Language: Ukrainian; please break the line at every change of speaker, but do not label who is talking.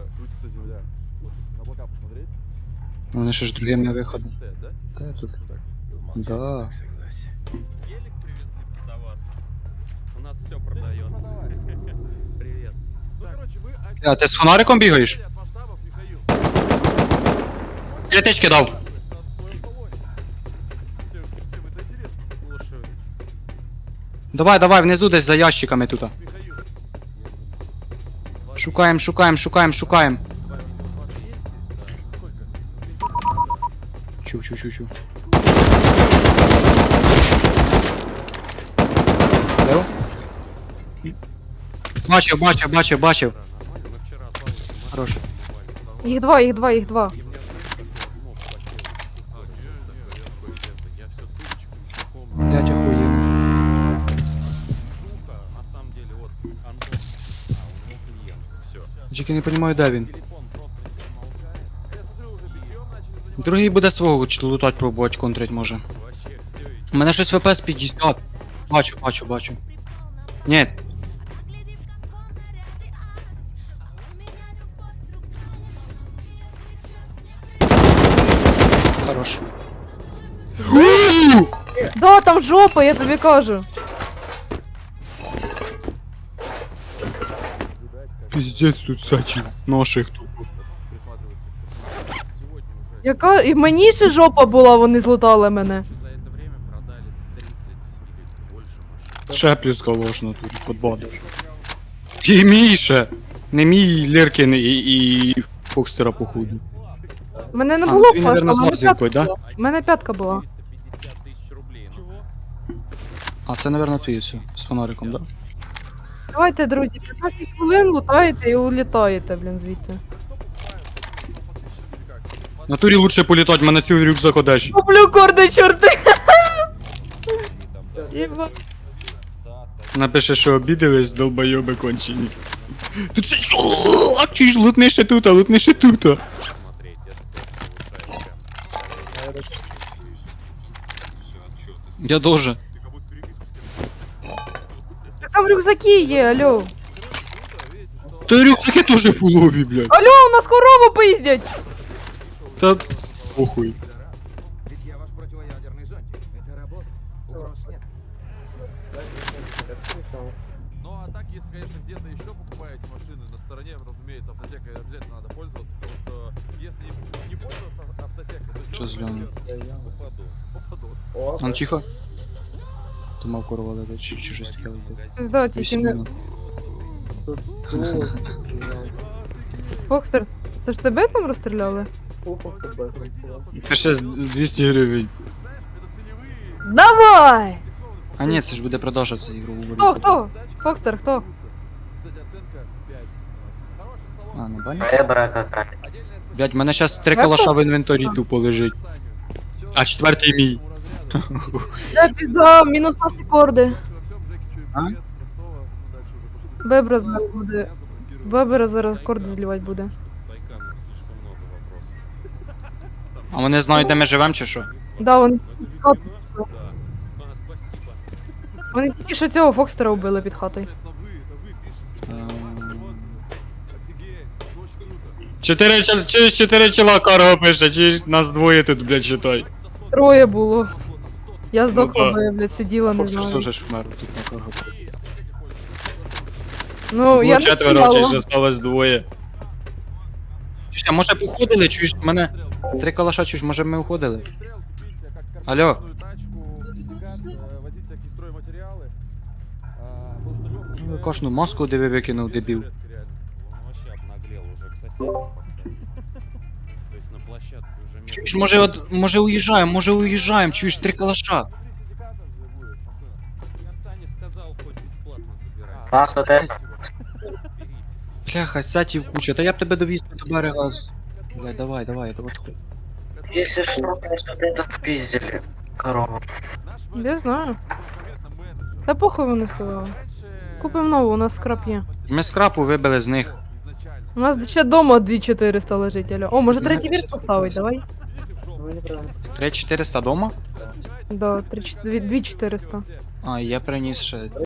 крутится земля. Вот на облака посмотреть.
Вони ще ж другими виходом.
Стоят, да?
Та я тут.
Ну так.
Да.
Гелик привезли продаваться. У нас все продается. Привет.
Ну, короче, вы...
А ти з фонариком бігаєш?
От масштабов, Михаил.
Клятички дав.
В своем салоне. Всем это интересно.
Слушаю.
Давай, давай, внизу десь за ящиками тут.
Михаил.
Шукаємо, шукаємо, шукаємо, шукаємо.
200? Да. Сколько?
Чув, чув, чув, чув. Де? Бачив, бачив, бачив, бачив.
Нормально. Мы вчера от Павловки машину
Хорош.
покупали.
Їх два, їх два, їх два.
И у меня я все сумочками не помню.
Блять, охуєнно.
Жука, на самом деле, вот Антон. У него клиент. Все.
Тільки не розумію, де він.
Телефон просто не замолкает.
Я смотрю, уже битьем начали заниматься.
Другий буде свого лутать пробувати, контрить може.
Вообще все.
У мене щось ВПС 50. Бачу, бачу, бачу. Ні. Хорош.
Да, там жопа, я тобі кажу.
Пиздец тут сачі. Наших тут.
Присматриваться к картинке. Сегодня уже.
Яка. І мені ще жопа була, вони злутали мене.
За это время продали 30 или больше машин.
Ще плюс калош на турі, подбадиш. І мій ще. Не мій Леркін і Фокстера походу.
У мене не
А,
було
ну, він,
флешки,
наверно,
у
з
мене
лазеркою,
п'ятка
да?
була. У мене п'ятка була.
350 тысяч рублей. Ну,
А це, напевно, ти все, з фонариком, да?
Давайте, друзі, 15 хвилин лутаєте і улітаєте, блін, звідти.
В натурі лучше політати, в мене цілий рюкзак одежі.
Куплю корди, чорти! Єба.
Напише, що обідались, долбойоби кончені. Тут ще... А чи ж лутни ще тут, лутни ще тут.
смотреть, это просто улучшает прям.
Я дуже.
Так там рюкзаки є, алло.
Та рюкзаки теж фулові, блядь.
Алло, у нас корову поїздять!
Та похуй.
Ведь я ваш противоядерный зонтик. Это работа. Угроз нет.
Ну а так, если, конечно, где-то еще покупаете машины на стороне, разумеется, автотекой обязательно надо пользоваться, потому что если не пользоваться автотекой, то
Що з Льоном?
попадос.
А ну тихо. Думав корова летить, чи щось таке летить.
Пизда, тільки не...
8 минут.
Фокстер, це ж тебе там розстріляли?
Пише з 200 гривень.
Давай!
А ні, це ж буде продажа, це ігрову буде.
Хто? Фокстер, хто?
Кстати, оценка 5. Хороший салон.
А, не бачиш?
Ребра какая.
Отдельное спасибо.
Блять, в мене щас 3 калаша в інвентарі тупо лежить. А четвертий мій.
Де пізда, мінус наші корди.
А?
Бебра зараз буде. Бебра зараз корди злівати буде.
Байкам слишком много вопросов.
А вони знають, де ми живемо чи що?
Да, вони,
Да. Спасибо.
вони тільки що цього Фокстера вбили під хатою.
Чотири чола карго пише, чи нас двоє тут, блядь, читай.
Троє було. Я здохла,
да.
бо я, блядь, сиділа, не
Фоксер
знаю.
теж ж вмер тут на карго.
Ну, я
Було
не
четверо, чи ж
стріляла.
осталось двоє. Чуєш, а може б уходили, чуєш, в мене 3 калаша, чуєш, може б ми уходили? Алло. Ну, кожну маску диви викинув, дебіл.
Он вообще обнаглел уже к соседям подходит. То есть на площадке уже место.
Чуєш, може уїжджаємо, чуєш, 3 калаша.
Я Сане сказал, хоть бесплатно забирай.
А, то те.
Берите.
Бляха, сятів куча, та я б тебе довіз до берега. Блядь, давай, давай, давай.
Если что, конечно, это впиздили. Корову.
Я знаю. Та похуй вони сказали. Купимо нову, у нас скраб є.
Ми скрапу вибили з них.
У нас ще дома 2400 лежить, алло. О, може третій вірш поставить, давай?
3400 дома?
Да, 2400.
А, я приніс ще